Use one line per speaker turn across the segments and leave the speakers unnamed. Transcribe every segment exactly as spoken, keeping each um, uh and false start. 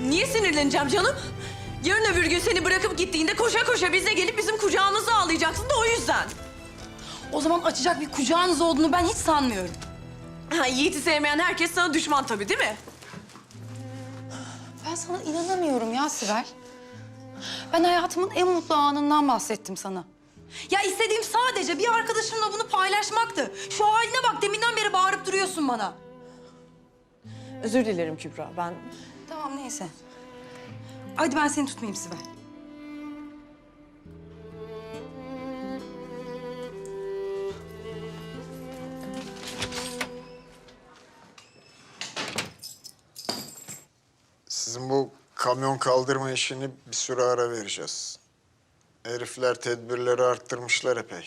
Niye sinirleneceğim canım? Yarın öbür gün seni bırakıp gittiğinde koşa koşa bize gelip bizim kucağımızda ağlayacaksın da o yüzden.
O zaman açacak bir kucağınız olduğunu ben hiç sanmıyorum.
Ha, Yiğit'i sevmeyen herkes sana düşman tabii değil mi?
Ben sana inanamıyorum ya Sibel. Ben hayatımın en mutlu anından bahsettim sana. Ya istediğim sadece bir arkadaşımla bunu paylaşmaktı. Şu haline bak, deminden beri bağırıp duruyorsun bana.
Özür dilerim Kübra, ben...
Tamam, neyse. Hadi ben seni tutmayayım Sibel.
Sizin bu kamyon kaldırma işini bir süre ara vereceğiz. Herifler tedbirleri arttırmışlar epey.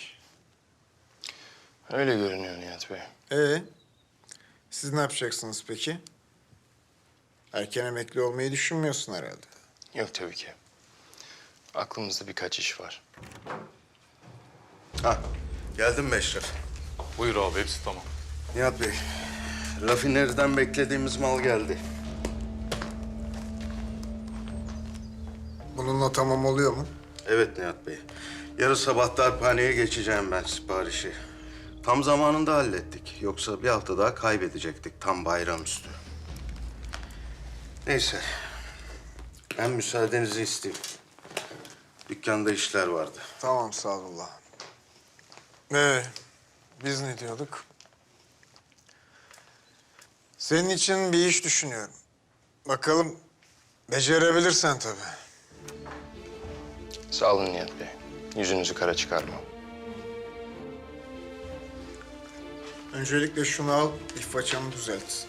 Öyle görünüyor Nihat Bey.
Ee, siz ne yapacaksınız peki? Erken emekli olmayı düşünmüyorsun herhalde.
Yok tabii ki. Aklımızda birkaç iş var.
Ha, geldim mi Eşref?
Buyur abi, hepsi tamam.
Nihat Bey, rafineriden beklediğimiz mal geldi.
Bununla tamam oluyor mu?
Evet Nihat Bey. Yarın sabah darphaneye geçeceğim ben siparişi. Tam zamanında hallettik. Yoksa bir hafta daha kaybedecektik tam bayramüstü. Neyse. Ben müsaadenizi isteyeyim. Dükkanda işler vardı.
Tamam Sadullah. Ee, biz ne diyorduk? Senin için bir iş düşünüyorum. Bakalım becerebilirsen tabii.
Sağ olun Nihat Bey. Yüzünüzü kara çıkarmam.
Öncelikle şunu al, ihfaçanı düzelt.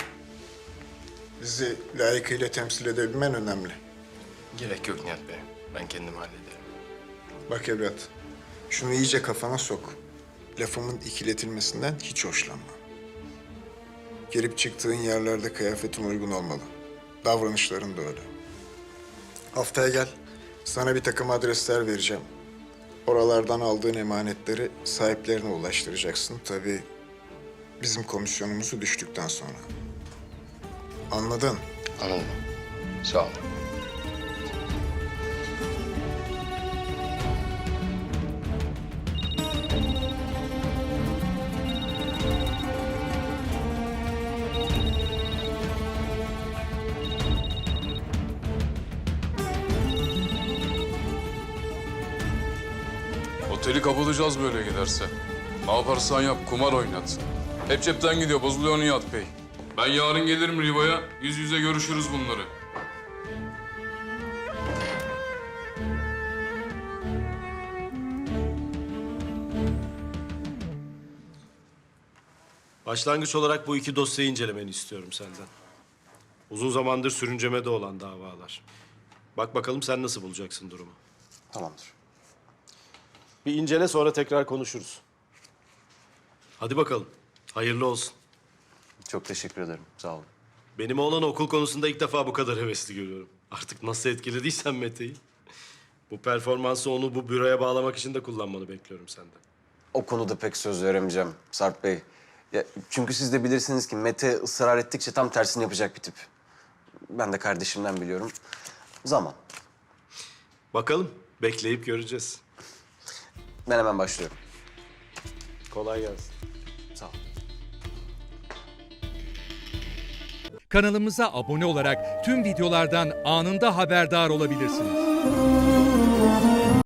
Bizi layıkıyla temsil edebilmen önemli.
Gerek yok Nihat Bey. Ben kendim hallederim.
Bak evlat, şunu iyice kafana sok. Lafımın ikiletilmesinden hiç hoşlanma. Girip çıktığın yerlerde kıyafetin uygun olmalı. Davranışların da öyle. Haftaya gel, sana bir takım adresler vereceğim. Oralardan aldığın emanetleri sahiplerine ulaştıracaksın. Tabii bizim komisyonumuzu düştükten sonra. Anladın?
Anladım. Sağ olun.
Oteli kapatacağız böyle giderse. Ne yaparsan yap, kumar oynat. Hep cepten gidiyor, bozuluyor Nihat Bey. Ben yarın gelirim Riva'ya, yüz yüze görüşürüz bunları.
Başlangıç olarak bu iki dosyayı incelemeni istiyorum senden. Uzun zamandır sürüncemede olan davalar. Bak bakalım sen nasıl bulacaksın durumu.
Tamamdır.
Bir incele, sonra tekrar konuşuruz. Hadi bakalım. Hayırlı olsun.
Çok teşekkür ederim. Sağ olun.
Benim oğlan okul konusunda ilk defa bu kadar hevesli görüyorum. Artık nasıl etkilediysen Mete'yi. Bu performansı onu bu büroya bağlamak için de kullanmanı bekliyorum senden.
O konuda pek söz veremeyeceğim Sarp Bey. Ya, çünkü siz de bilirsiniz ki Mete ısrar ettikçe tam tersini yapacak bir tip. Ben de kardeşimden biliyorum. Zaman.
Bakalım. Bekleyip göreceğiz.
Ben hemen başlıyorum.
Kolay gelsin.
Sağ ol.
Kanalımıza abone olarak tüm videolardan anında haberdar olabilirsiniz.